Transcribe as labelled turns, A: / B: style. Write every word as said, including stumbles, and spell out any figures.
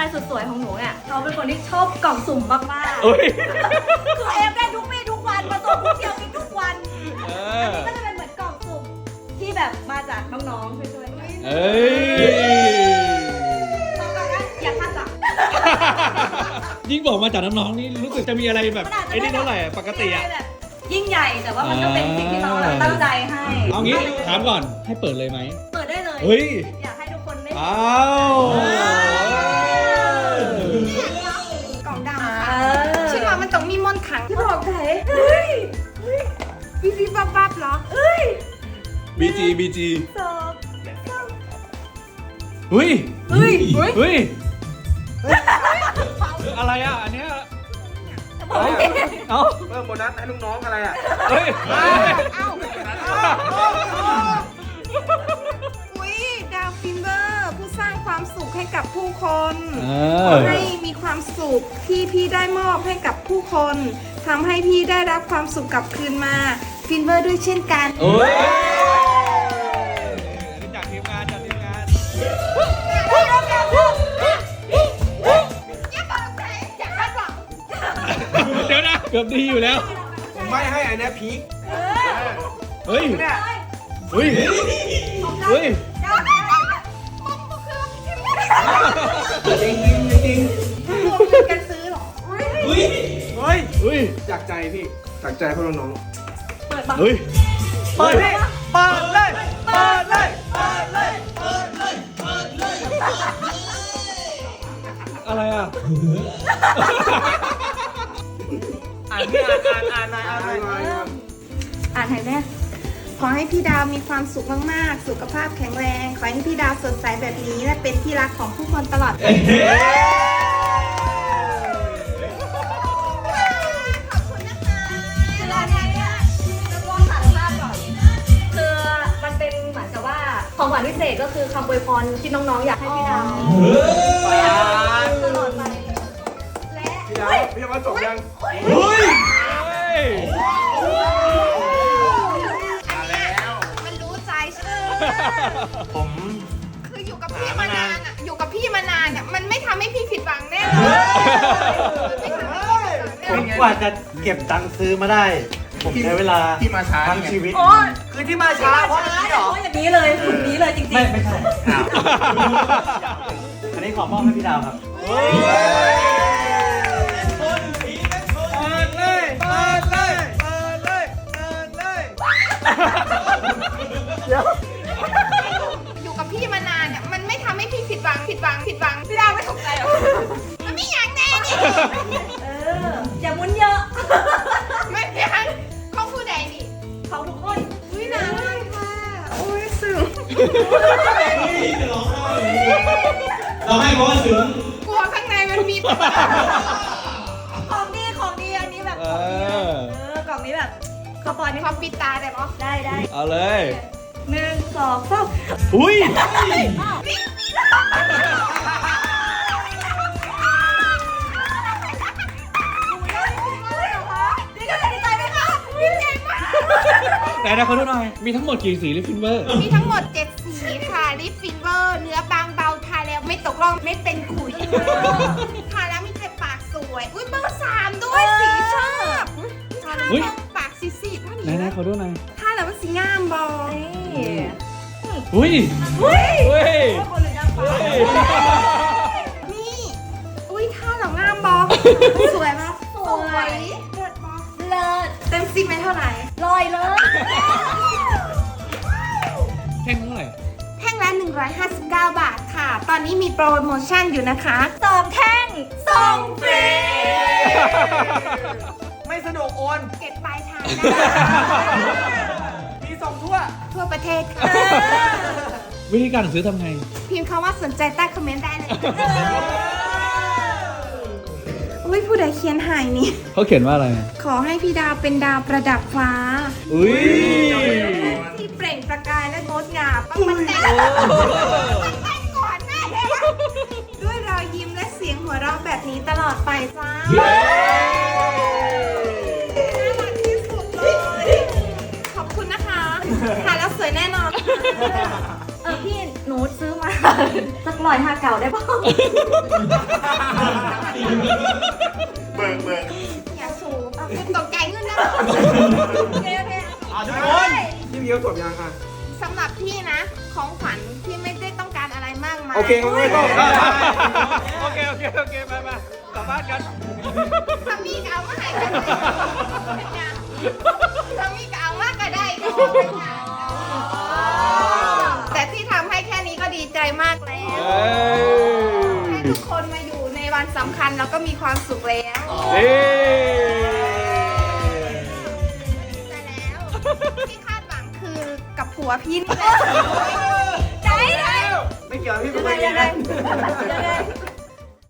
A: ายสุดสวยของหนูเนี่ยเขาเป็นคนที่ชอบกล่องสุ่มมากๆ
B: เอ้ย
A: คือเอฟได้ทุกวี่ทุกวันมาส่งทุกเที่ยวกินทุกวัน
B: เอ
A: อัน
B: อ
A: นี้ก็จะเป็นเหมือนกล่องสุ่มที่แบบมาจากน้องๆช่วยๆกัน
B: เอ้ย
A: ต้องการนะอย่าคาดหวัง
B: ยิ่งบอกมาจากน้องๆนี่รู้สึกจะมีอะไรแบบไอ้นี่เท่าไหร่ปกติอะ
A: แบบยิ่งใหญ่แต่ว่ามันก็เป็นสิ่งที่น้องเราตั้งใจให้
B: เอางี้ถามก่อนให้เปิดเลยไหม
A: เปิดได้เลย
B: เฮ้ย
A: อยากให้ทุกคนได้
B: อ้าว
C: กล่องดำ
A: เอ
C: ค่ะ
A: อ
C: ชื่อว่ามันต้องมีมนต์ขลัง
A: ที่บอกไหนเฮ้ย
C: วิวิบับบับเหรอ
A: เฮ้ย
B: บีจีบีจี
A: สอง
B: เฮ้ย
A: เฮ้ย
B: เฮ้ยอะไรอ่ะอันเนี้ย
A: บอกไม่ได้
B: เอ้า
D: เพิ่มโบนัสให้ลูกน้องอะไรอ่ะ
B: เฮ้ย
C: อุ้ยดาวฟินเบอร์ผู้สร้างความสุขให้กับผู้คน
B: เอ
C: ข
B: อ
C: อให้มีความสุขที่พี่ได้มอบให้กับผู้คนทำให้พี่ได้รับความสุขกลับคืนมาฟินเบอร์ด้วยเช่นกัน
B: โอ้ยจากทีมงานจากทีมงานเดี๋ยวนะเกือบดีอยู่แล้ว
D: ผมไม่ให้อันเนี้ยพีค
B: เฮ้ย
D: เนี่ย
B: เฮ้ยเฮ้ย
D: จริงจริงจริง
C: รวมเงินกันซื้อเหรอ
D: เฮ้ย
B: เฮ้ย
D: จากใจพี่จากใจพวกน้อง
A: เปิดบัง
B: เฮ้ย
D: เปิดเลยเปิดเลยเปิดเลยเปิดเลย
B: อะไรอ่ะ
D: อ่านพี่อ่านอ่านอ่านอ่านอ่านอ่าน
C: อ่านให้แม่ขอให้พี่ดาวมีความสุขมากๆ สุขภาพแข็งแรง ขอให้พี่ดาวสดใสแบบนี้ และเป็นที่รักของผู้คนตลอดไป
A: คืออันเนี้ยเนี่ยจะลองสารภาพก่อนคือมันเป็นเหมือนกับว่าของขวัญพิเศษก็คือคำอวยพรที่น้องๆอยากให้พี่ดาวตลอดไปและ
D: พี่ดาวพี่ดาวจบยัง
B: เฮ้ย
C: มันรู้ใจใช่ไหม
D: ผม
C: คืออยู่กับพี่มานานอ่ะ อยู่กับพี่มานานอ่ะ มันไม่ทำให้พี่ผิดหวังแน่เลยมันไม่ทำให้พี่ผิดหวังแน่เลย
E: กว่าจะเก็บตังค์ซื้อมาได้ ผมใช้เวลา
D: ที่มาช้า
E: ทั้งชีวิต
A: โอ้ย
D: คือที่มาช้าเพราะอย่างนี้เหรอ
A: เพราะอย่างนี้เลยหุ่นนี้เลยจริงๆ
E: ไม่ไม่ใช่อ้าวอันนี้ขอมอบให้พี่ดาวครับ
D: เปิดเลยเปิดเลยเปิดเลยเปิดเลย
C: อยู่กับพี่มานานอ่ะ มันไม่ทำให้พี่ผิดหวัง ผิดหวัง ผิดหวัง พี่ดาวไม่ถูกใจหรอ มันไม่อยากแน่นี่
A: เอออย่ามุนเยอะ
C: ไม่อยากของผู้ใดนี่
A: ของทุกคน
C: อุ้ยนานมากค่ะโอ้ยสึง
E: เราให้เพราะว่าถึง
C: กลัวข้างในมันมี
A: ของดีของดีอันนี้แบบ
B: เอ
A: ของดี
B: อ
A: เออกล่องนี้แบบกระปอนนี่
C: พอปิดตาได้ปะ
A: ได้ได้
B: เอาเลย
A: หนึ่งสองสาม
B: อุ้ย
A: นี่ก็จะดีใจไหมคะ
C: ดีใจมาก
B: แต่นะขอดูหน่อย มีทั้งหมดกี่สีลิฟฟินเวอร์
C: มีทั้งหมดเจ็ดสีค่ะ ลิปฟินเวอร์ เนื้อบางเบาทาแล้วไม่ตกร่องไม่เป็นขุยทาแล้วมีแต่ปากสวย อุ้ยเบอร์สามด้วยสีชอบทาแล้ว
B: เฮ้ย
C: ปากสีๆเท่า
B: ไหน
C: นี้
B: นะขอดูหน่อย
C: ทาแล้วมันสีงามบอ
A: นี่
B: อุ้ย
A: เฮ้ย
B: เฮ้ย
A: คนหรือนางฟ้า
B: เฮ้ย
C: นี่ อุ้ยทาแล้วงามบอสวยปะ
A: สวย
C: เลิศบอ
A: เลิศ
C: เต็มสิบไม่เท่าไหร่
A: ลอยเลย
B: แท่งเท่าไหร่
C: แท่งละหนึ่งร้อยห้าสิบเก้า บาทค่ะ ตอนนี้มีโปรโมชั่นอยู่นะคะ
A: สองแท่งส่งฟรี
D: ไม่สนุกโอน
C: เก็บปลายทางได้
D: มีส่งทั่ว
C: ทั่วประเทศค่ะ
B: วิธีการซื้อทำไง
C: พิมพ์คำว่าสนใจใต้คอมเมนต์ได้เลยอุ้ยผู้ใดเขียนหายนี่
B: เขาเขียนว่าอะไร
C: ขอให้พี่ดาวเป็นดาวประดับฟ้า
B: อุ้ย
C: ที่เปล่งประกายและงดงามต้องมันแต่งแต่งก่อนแม่ด้วยรอยยิ้มและเสียงหัวเราะแบบนี้ตลอดไปจ้าน่ารักที่สุดเลย ขอบคุณนะคะทานแล้วสวยแน่นอน
A: เออพี่หนูซื้อมาสักลอยห้าเก่าได้ป่ะ
E: เบิกเบิก
C: อย่าสูบอ่ะคุณตกใจเงินนะ
A: โอเคโอเค
E: อ่ะทุกคน
D: พี่มีคำตอบยังอ่ะ
C: สำหรับพี่นะ ของขวัญที่ไม่ได้ต้องการอะไรมากมาย
D: โอเคไม่ต้อง
B: โอเคโอเคโอเคไปไปกลับบ้านกัน
C: ถ้ามีก็เอามาให้กันเลยถ้ามีก็เอามากก็ได้ก็แต่ที่ทำให้แค่นี้ก็ดีใจมากแล้ว
B: เอ้ย
C: ให้ทุกคนมาอยู่ในวันสำคัญแล้วก็มีความสุขแล้ว
B: เอ้ย
C: แต่แล้วที่คาดหวังคือกับผัวพี่นี่แหละ
A: ใจเลย
D: ไม่เกี่ยวพี่
A: ยังไง
D: ไม่เกี่
A: ยั
D: ยว
A: งไงยังไง